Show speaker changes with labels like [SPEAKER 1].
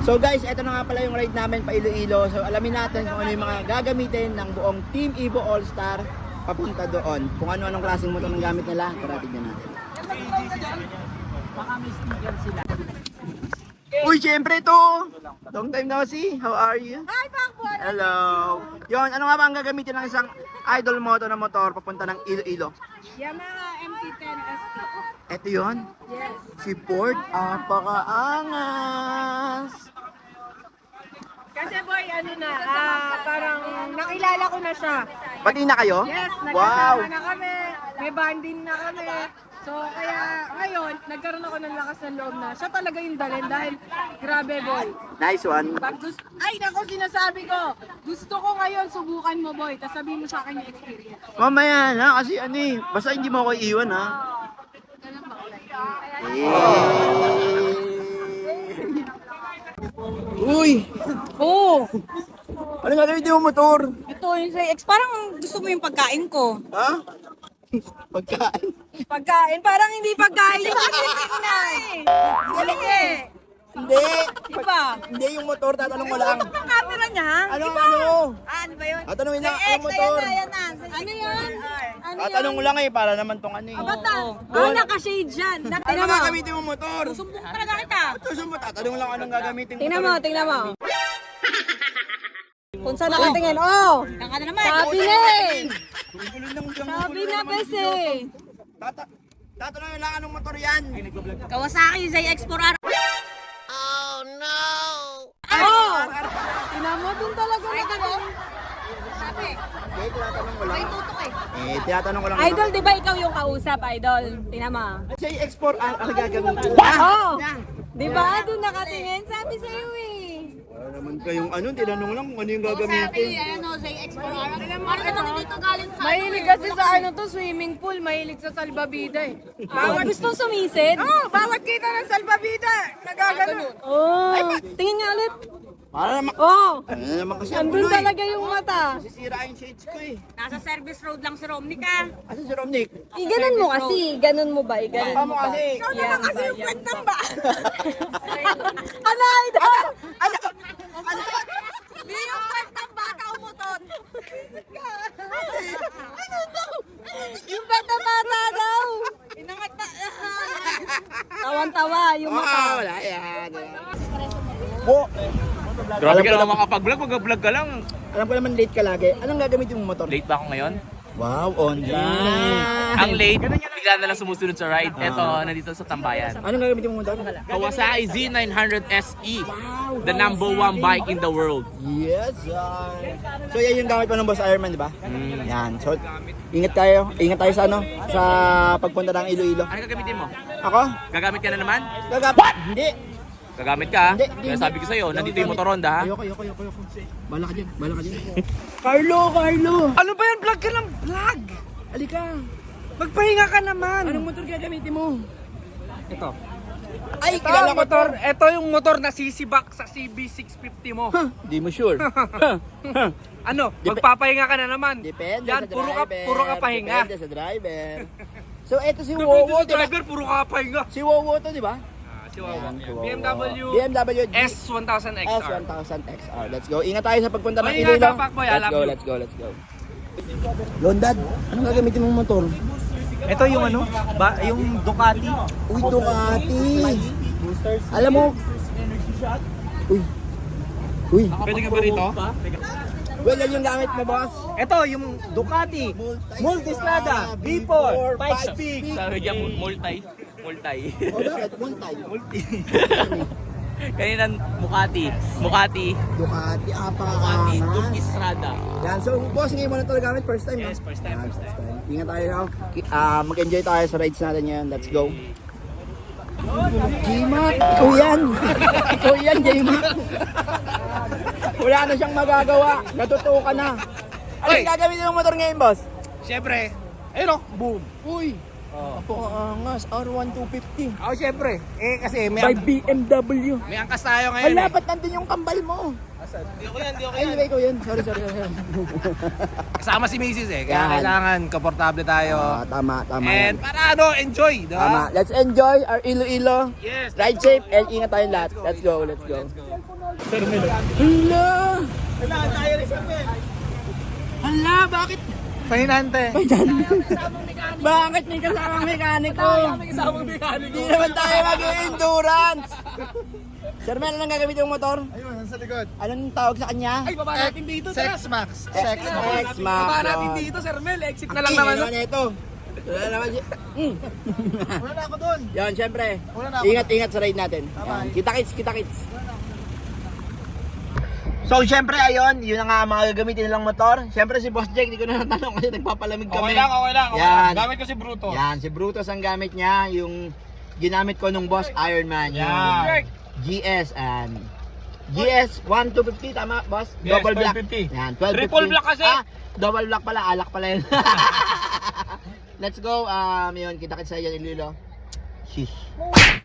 [SPEAKER 1] So guys, eto na nga pala yung ride namin pa Iloilo. So alamin natin kung ano yung mga gagamitin ng buong Team Evo All-Star papunta doon. Kung ano-anong klaseng motor ng gamit nila, tara tignan natin.
[SPEAKER 2] Baka may sticker sila.
[SPEAKER 1] Uy, syempre to! Long time no see. How are you?
[SPEAKER 3] Hi, Pakboy!
[SPEAKER 1] Hello! Yon, ano nga ba ang gagamitin ng isang idol moto na motor papunta ng Iloilo?
[SPEAKER 3] Yamaha MT-10 ST.
[SPEAKER 1] Eto yun?
[SPEAKER 3] Yes.
[SPEAKER 1] Si Ford, apakaangas!
[SPEAKER 3] Kasi boy, ano na, parang nakilala ko na siya.
[SPEAKER 1] Pati na kayo?
[SPEAKER 3] Yes,
[SPEAKER 1] Wow!
[SPEAKER 3] nagkasama na kami, may banding na kami. So kaya ngayon, nagkaroon ako ng lakas ng loob na siya talaga yung dalhin dahil grabe boy.
[SPEAKER 1] Nice one.
[SPEAKER 3] Ay nako, sinasabi ko, gusto ko ngayon subukan mo boy, tapos sabihin mo sa akin yung experience.
[SPEAKER 1] Mamaya na, kasi ano eh, basta hindi mo ako iiwan ha.
[SPEAKER 3] Ganun ba kulay?
[SPEAKER 1] Uy!
[SPEAKER 3] Oo!
[SPEAKER 1] Ano nga gamitin mo motor?
[SPEAKER 3] Ito yung sa X, parang gusto mo yung pagkain ko.
[SPEAKER 1] Ha? Pagkain?
[SPEAKER 3] Pagkain? Parang hindi pagkain yung pagkain na eh. Hindi.
[SPEAKER 1] Hindi!
[SPEAKER 3] Diba?
[SPEAKER 1] Hindi yung motor, tatanong ko lang.
[SPEAKER 3] Tutok ng camera niya.
[SPEAKER 1] Ano,
[SPEAKER 3] Diba?
[SPEAKER 1] ano?
[SPEAKER 3] Ano ba yun?
[SPEAKER 1] Tatanungin lang,
[SPEAKER 3] Say
[SPEAKER 1] ano
[SPEAKER 3] X,
[SPEAKER 1] motor?
[SPEAKER 3] ayan na. Ano yun? Ano
[SPEAKER 1] Tatanong ko lang eh, para naman tong ano eh.
[SPEAKER 3] Bata. Naka-shade dyan.
[SPEAKER 1] Ano
[SPEAKER 3] Tingnan
[SPEAKER 1] nga
[SPEAKER 3] mo.
[SPEAKER 1] gamitin mo motor?
[SPEAKER 3] Sumbong talaga kita.
[SPEAKER 1] Susun mo, tatanong lang anong gagamitin mo.
[SPEAKER 3] Tingnan mo. Kung saan nakatingin, oh! Naka na naman. Sabi na eh. Sabi na kasi.
[SPEAKER 1] Tatanungin lang anong motor yan.
[SPEAKER 3] Kawasaki ZX4R.
[SPEAKER 1] Oh no!
[SPEAKER 3] Oh! Tingnan mo dun talaga. Ay, sabi.
[SPEAKER 1] Okay, tinatanong ko lang.
[SPEAKER 3] Ay, tutok eh.
[SPEAKER 1] Tinatanong ko lang.
[SPEAKER 4] Idol, di ba ikaw yung kausap, Idol? Tingnan mo.
[SPEAKER 1] Siya yung export ang gagamitin.
[SPEAKER 4] Oo! Di ba? Doon nakatingin. Sabi sa'yo eh.
[SPEAKER 1] Wala naman kayong ano, tinanong lang kung ano yung gagamitin.
[SPEAKER 3] ano, ZX4R. Ano naman dito galing sa
[SPEAKER 5] Mahilig kasi sa ano to, swimming pool, mahilig sa salbabida eh.
[SPEAKER 4] Bawat gusto sumisid?
[SPEAKER 5] Oh, bawat kita ng salbabida, nagaganon.
[SPEAKER 4] Oh! Tingin nga ulit.
[SPEAKER 1] Para naman,
[SPEAKER 4] Oh!
[SPEAKER 1] ano naman kasi ang
[SPEAKER 4] Andun
[SPEAKER 1] gulo eh.
[SPEAKER 4] talaga yung mata.
[SPEAKER 1] Sisira yung shades ko eh.
[SPEAKER 3] Nasa service road lang si Romney ka.
[SPEAKER 1] Asan si Romnick?
[SPEAKER 4] Iganon mo kasi. Ganon mo ba? Iganon
[SPEAKER 1] Tama
[SPEAKER 4] mo ba?
[SPEAKER 1] kasi.
[SPEAKER 5] Ikaw naman kasi yung kwentang ba?
[SPEAKER 4] Ano, Idol?
[SPEAKER 3] Di yung kwentang bata umutot.
[SPEAKER 4] Yung bata-bata daw.
[SPEAKER 3] Inangat na.
[SPEAKER 4] Tawan-tawa yung mata.
[SPEAKER 1] Wala yan. Bo,
[SPEAKER 2] Grabe
[SPEAKER 1] Alam
[SPEAKER 2] ka
[SPEAKER 1] ko
[SPEAKER 2] naman makapag-vlog, mag-vlog ka lang.
[SPEAKER 1] alam ko naman late ka lagi. Anong gagamitin mong motor?
[SPEAKER 2] Late ba ako ngayon?
[SPEAKER 1] Wow, on time.
[SPEAKER 2] Ang late, bigla na lang sumusunod sa ride. Eto, nandito sa Tambayan.
[SPEAKER 1] Anong gagamitin mong motor?
[SPEAKER 2] Kawasaki Z900 SE, the #1 bike in the world.
[SPEAKER 1] Yes, sir. So yan yung gamit pa ng Boss Ironman, di ba? Yan. So ingat tayo sa ano, sa pagpunta ng Iloilo.
[SPEAKER 2] Ano gagamitin mo?
[SPEAKER 1] Ako?
[SPEAKER 2] Gagamit ka na naman?
[SPEAKER 1] Hindi.
[SPEAKER 2] Gagamit ka?
[SPEAKER 1] Hindi,
[SPEAKER 2] Kaya sabi ko sa'yo, nandito yung motor Honda ha?
[SPEAKER 1] Ayoko. Bala ka dyan. Carlo!
[SPEAKER 5] Ano ba yan? Vlog ka ng vlog!
[SPEAKER 1] Alika.
[SPEAKER 5] Magpahinga ka naman!
[SPEAKER 1] Anong motor gagamitin mo?
[SPEAKER 5] Ito.
[SPEAKER 1] Ay,
[SPEAKER 5] Ito
[SPEAKER 1] kilala
[SPEAKER 5] ang
[SPEAKER 1] ko
[SPEAKER 5] motor,
[SPEAKER 1] to.
[SPEAKER 5] ito yung motor na sisibak sa CB650 mo.
[SPEAKER 1] Di mo sure.
[SPEAKER 5] Ano? Magpapahinga ka na naman.
[SPEAKER 1] Depende
[SPEAKER 5] Yan,
[SPEAKER 1] sa driver.
[SPEAKER 5] puro ka pahinga.
[SPEAKER 1] Depende sa driver. So eto si
[SPEAKER 5] Depende
[SPEAKER 1] Wowo,
[SPEAKER 5] sa
[SPEAKER 1] di ba?
[SPEAKER 5] driver, puro ka pahinga.
[SPEAKER 1] Si Wowo to, di ba?
[SPEAKER 5] Si Wawa.
[SPEAKER 1] Si Wowo.
[SPEAKER 5] BMW
[SPEAKER 1] S1000
[SPEAKER 5] S1000XR.
[SPEAKER 1] XR. Let's go. Ingat tayo sa pagpunta ng
[SPEAKER 5] Ingat
[SPEAKER 1] Iloilo.
[SPEAKER 5] ka, Pakboy. I love you.
[SPEAKER 1] Let's go. Londad, anong gagamitin mong motor?
[SPEAKER 6] Ito yung ano, yung Ducati.
[SPEAKER 1] Uy, Ducati. Alam mo, Uy.
[SPEAKER 2] Pwede ka ba rito?
[SPEAKER 1] Well, yan yung gamit mo, boss.
[SPEAKER 6] Ito yung Ducati. Multistrada V4 5 speed.
[SPEAKER 2] Sabi niya, multi.
[SPEAKER 1] O, bakit? Multi.
[SPEAKER 2] Kanina, Ducati,
[SPEAKER 1] Ducati,
[SPEAKER 2] Ducati,
[SPEAKER 1] apakaangas.
[SPEAKER 2] Estrada.
[SPEAKER 1] Yan, so boss, ngayon mo na ito gamit. First time, no?
[SPEAKER 2] Yes, first time.
[SPEAKER 1] Ingat tayo, no? Mag-enjoy tayo sa rides natin yan. Let's go. J-Mac! Ikaw yan, J-Mac! Wala na siyang magagawa. Natutuwa ka na. Ano yung gagamitin ng motor ngayon, boss?
[SPEAKER 5] Siyempre, ayun o, boom.
[SPEAKER 1] Uy! Apo, angas. R1 250.
[SPEAKER 2] Oh, syempre. Eh, kasi may,
[SPEAKER 1] BMW.
[SPEAKER 2] may angkas tayo ngayon
[SPEAKER 1] Wala,
[SPEAKER 2] eh.
[SPEAKER 1] ba't nandun yung kambal mo? Di ako yan. Ay, hindi ko yun. Sorry.
[SPEAKER 2] Kasama si Mrs. eh. Kaya
[SPEAKER 1] Yan.
[SPEAKER 2] kailangan komportable tayo.
[SPEAKER 1] Tama
[SPEAKER 2] And
[SPEAKER 1] yan.
[SPEAKER 2] para ano, enjoy. Diba?
[SPEAKER 1] Tama. Let's enjoy our Iloilo.
[SPEAKER 2] Yes.
[SPEAKER 1] Ride safe and ingat tayong lahat. Let's go. Hala, bakit?
[SPEAKER 6] Pahinante.
[SPEAKER 1] Bakit may kasamang mekaniko? Hindi naman tayo mag-endurance. Sir Mel, anong gagamit yung motor?
[SPEAKER 6] Ayun, nasa likod.
[SPEAKER 1] Anong tawag sa kanya?
[SPEAKER 2] Ay, baba natin dito.
[SPEAKER 6] Sex Max. Sex Max.
[SPEAKER 1] X-Max.
[SPEAKER 2] Baba natin dito, Sir Mel. Exit na lang naman.
[SPEAKER 1] Ano ito? Wala naman siya.
[SPEAKER 6] Wala na ako doon.
[SPEAKER 1] Yan, syempre.
[SPEAKER 6] Wala na ako.
[SPEAKER 1] Ingat sa ride natin. Yan. Kita-kits. So, syempre, ayun, yun ang nga mga gagamitin nilang motor. Syempre, si Boss Jake, hindi ko na natanong kasi nagpapalamig kami.
[SPEAKER 2] Okay lang.
[SPEAKER 1] Yan.
[SPEAKER 2] Gamit ko si Bruto.
[SPEAKER 1] Yan, si Brutus ang gamit niya. Yung ginamit ko nung Boss Ironman. Yung
[SPEAKER 2] Yan.
[SPEAKER 1] GS and GS 1250, tama, Boss?
[SPEAKER 2] Yes,
[SPEAKER 1] Double black.
[SPEAKER 2] 1250.
[SPEAKER 1] Yan, 1250.
[SPEAKER 2] Triple black kasi.
[SPEAKER 1] Double black pala, alak pala yun. Let's go. Yun, kita-kits sa yan, Ililo. Sheesh.